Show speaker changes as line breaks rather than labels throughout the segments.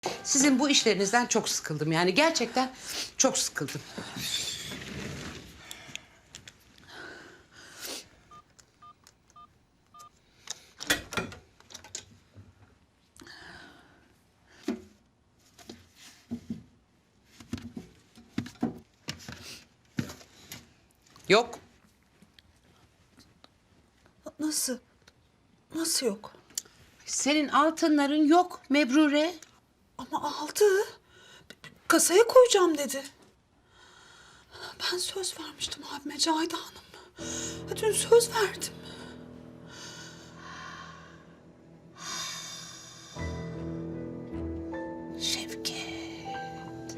Sizin bu işlerinizden çok sıkıldım. Yani gerçekten çok sıkıldım. Yok.
Nasıl? Nasıl yok?
Senin altınların yok Mebrure.
Ama aldı. Kasaya koyacağım dedi. Ben söz vermiştim abime Cahide Hanım. Dün söz verdim.
Şevket.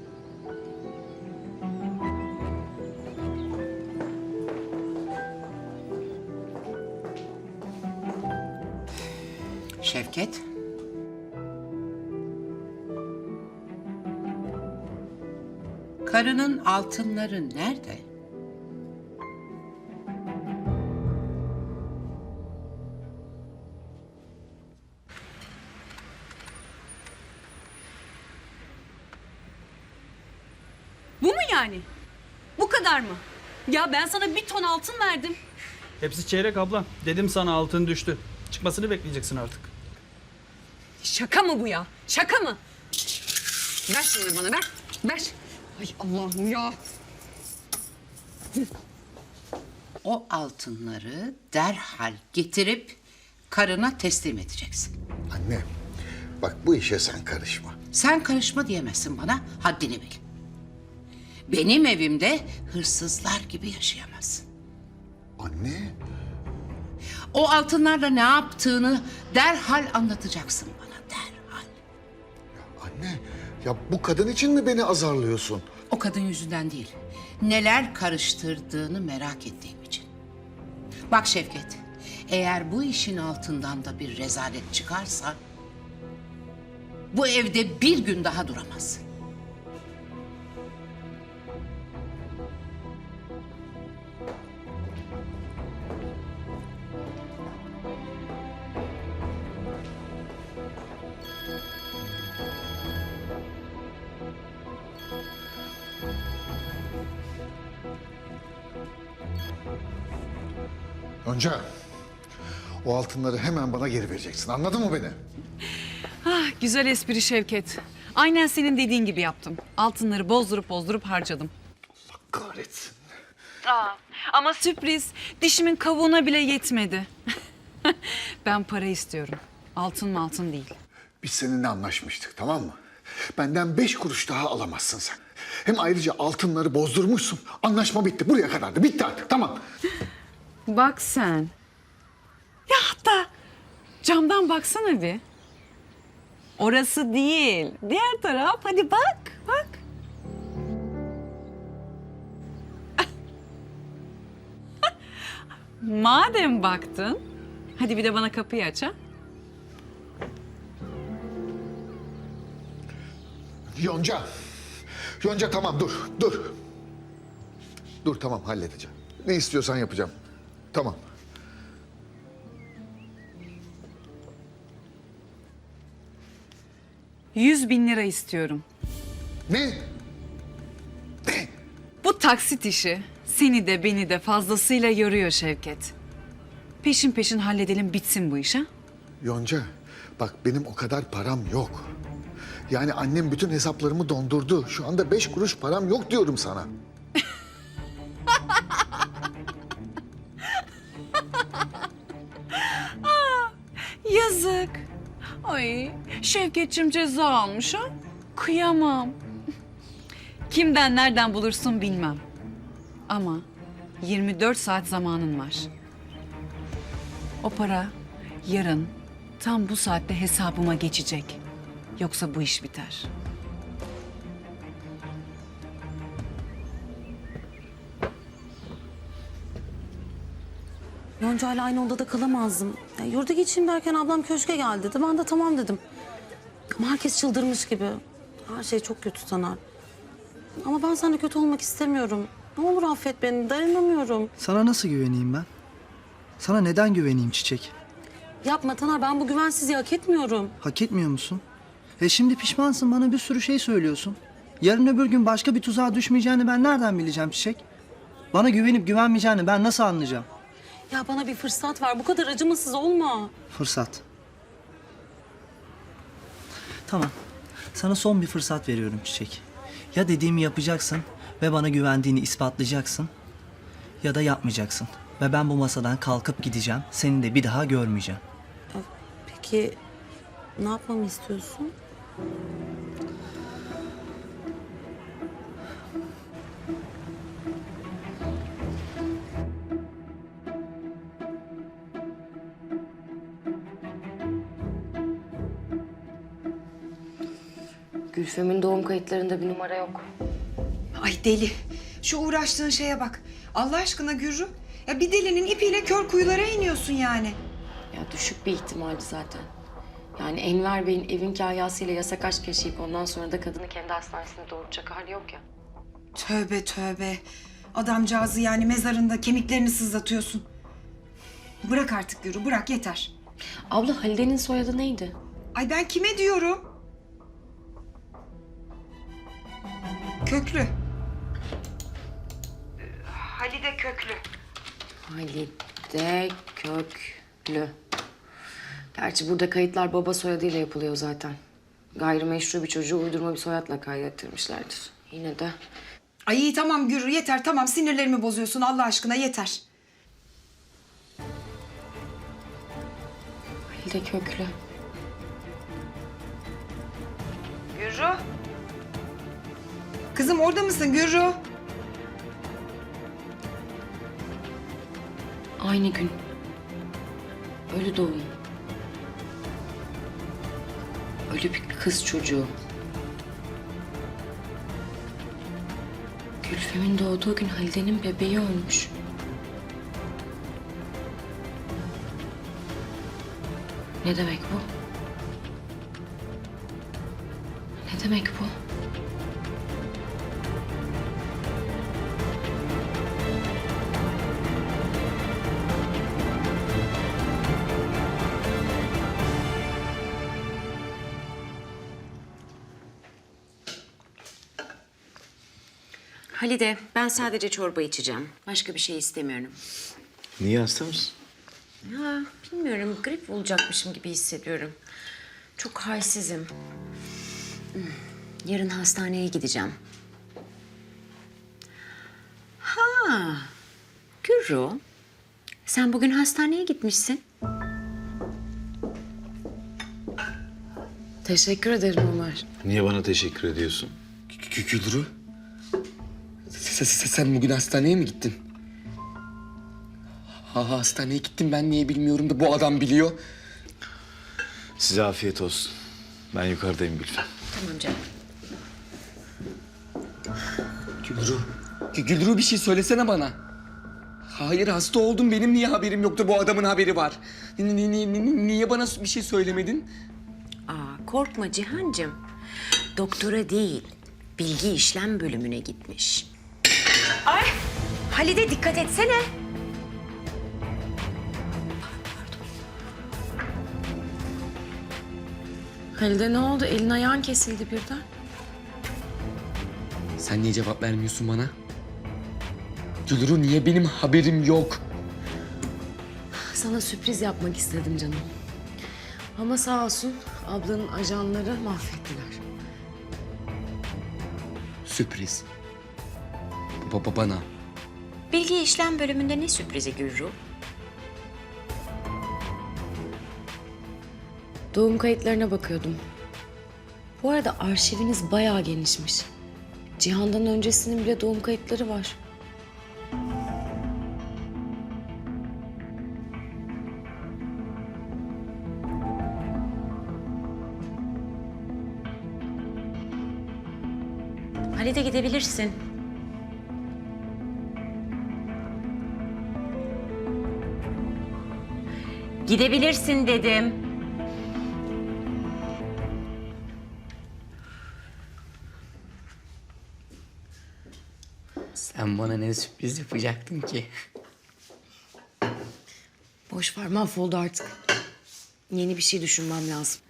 Şevket. Karının altınları nerede?
Bu mu yani? Bu kadar mı? Ya ben sana 1 ton altın verdim.
Hepsi çeyrek abla. Dedim sana altın düştü. Çıkmasını bekleyeceksin artık.
Şaka mı bu ya? Şaka mı? Ver şunları bana, ver. Ver. Ay Allah'ım ya.
O altınları derhal getirip karına teslim edeceksin.
Anne, bak bu işe sen karışma.
Sen karışma diyemezsin bana, haddini bil. Benim evimde hırsızlar gibi yaşayamazsın.
Anne,
O altınlarla ne yaptığını derhal anlatacaksın bana, derhal.
anne ya bu kadın için mi beni azarlıyorsun?
O kadın yüzünden değil, neler karıştırdığını merak ettiğim için. Bak Şevket, eğer bu işin altından da bir rezalet çıkarsa... bu evde bir gün daha duramazsın.
Yonca, o altınları hemen bana geri vereceksin. Anladın mı beni?
Ah, güzel espri Şevket. Aynen senin dediğin gibi yaptım. Altınları bozdurup harcadım.
Allah kahretsin.
Ama sürpriz, dişimin kavuğuna bile yetmedi. Ben para istiyorum. Altın değil.
Biz seninle anlaşmıştık, tamam mı? Benden 5 kuruş daha alamazsın sen. Hem ayrıca altınları bozdurmuşsun. Anlaşma bitti. Buraya kadardı. Bitti artık. Tamam.
Bak sen. Ya hatta camdan baksana bir. Orası değil. Diğer taraf. Hadi bak. Madem baktın, hadi bir de bana kapıyı aç ha.
Yonca. Yonca tamam dur. Dur tamam halledeceğim. Ne istiyorsan yapacağım. Tamam.
$100.000 istiyorum.
Ne? Ne?
Bu taksit işi seni de beni de fazlasıyla yoruyor Şevket. Peşin halledelim bitsin bu iş ha.
Yonca bak benim o kadar param yok. Yani annem bütün hesaplarımı dondurdu. Şu anda 5 kuruş param yok diyorum sana.
Yazık. Ay Şevketçim ceza almış ha. Kıyamam. Kimden nereden bulursun bilmem. Ama 24 saat zamanın var. O para yarın tam bu saatte hesabıma geçecek. Yoksa bu iş biter.
Yonca ile aynı odada kalamazdım. Ya, yurda geçeyim derken ablam köşke gel dedi. Ben de tamam dedim. Ama herkes çıldırmış gibi. Her şey çok kötü Taner. Ama ben seninle kötü olmak istemiyorum. Ne olur affet beni, dayanamıyorum.
Sana nasıl güveneyim ben? Sana neden güveneyim Çiçek?
Yapma Taner, ben bu güvensizliği hak etmiyorum.
Hak etmiyor musun? Şimdi pişmansın, bana bir sürü şey söylüyorsun. Yarın öbür gün başka bir tuzağa düşmeyeceğini ben nereden bileceğim Çiçek? Bana güvenip güvenmeyeceğini ben nasıl anlayacağım?
Ya bana bir fırsat ver. Bu kadar acımasız olma.
Fırsat. Tamam. Sana son bir fırsat veriyorum Çiçek. Ya dediğimi yapacaksın ve bana güvendiğini ispatlayacaksın ya da yapmayacaksın. Ve ben bu masadan kalkıp gideceğim. Seni de bir daha görmeyeceğim.
Peki ne yapmamı istiyorsun?
Gülfem'in doğum kayıtlarında bir numara yok.
Ay deli. Şu uğraştığın şeye bak. Allah aşkına Gürru. Ya bir delinin ipiyle kör kuyulara iniyorsun yani.
Ya düşük bir ihtimaldi zaten. Yani Enver Bey'in evin kahyasıyla yasak aşk yaşayıp ondan sonra da kadını kendi hastanesine doğuracak hali yok ya.
Tövbe tövbe. Adamcağızı yani mezarında kemiklerini sızlatıyorsun. Bırak artık Gürru, bırak yeter.
Abla Halide'nin soyadı neydi?
Ay ben kime diyorum? Köklü. Halide Köklü.
Halide Köklü. Gerçi burada kayıtlar baba soyadıyla yapılıyor zaten. Gayrimeşru bir çocuğu uydurma bir soyadla kaydettirmişlerdir. Yine de
Ay iyi tamam Gürru yeter tamam sinirlerimi bozuyorsun Allah aşkına yeter.
Halide Köklü.
Gürru. Kızım orada mısın Gürru?
Aynı gün. Ölü doğum. Ölü bir kız çocuğu. Gülfem'in doğduğu gün Halide'nin bebeği ölmüş. Ne demek bu? Ne demek bu?
Halide, ben sadece çorba içeceğim. Başka bir şey istemiyorum.
Niye, hasta mısın?
Ha, bilmiyorum, grip olacakmışım gibi hissediyorum. Çok halsizim. Yarın hastaneye gideceğim. Ha, Gürru, sen bugün hastaneye gitmişsin.
Teşekkür ederim Ömer.
Niye bana teşekkür ediyorsun?
Gülru. Sen bugün hastaneye mi gittin? Hastaneye gittim ben niye bilmiyorum da bu adam biliyor.
Size afiyet olsun. Ben yukarıdayım Gülfem.
Tamam canım.
Gülru. Gülru bir şey söylesene bana. Hayır hasta oldum benim niye haberim yoktu bu adamın haberi var. Niye bana bir şey söylemedin?
Aa, korkma Cihancığım. Doktora değil, bilgi işlem bölümüne gitmiş. Ay! Halide dikkat etsene.
Halide ne oldu? Elin ayağın kesildi birden.
Sen niye cevap vermiyorsun bana? Gülru niye benim haberim yok?
Sana sürpriz yapmak istedim canım. Ama sağ olsun ablanın ajanları mahvettiler.
Sürpriz. Bana.
Bilgi işlem bölümünde ne sürprizi Gürru?
Doğum kayıtlarına bakıyordum. Bu arada arşiviniz bayağı genişmiş. Cihan'dan öncesinin bile doğum kayıtları var.
Halide gidebilirsin. Gidebilirsin dedim.
Sen bana ne sürpriz yapacaktın ki?
Boş ver mahvoldu artık. Yeni bir şey düşünmem lazım.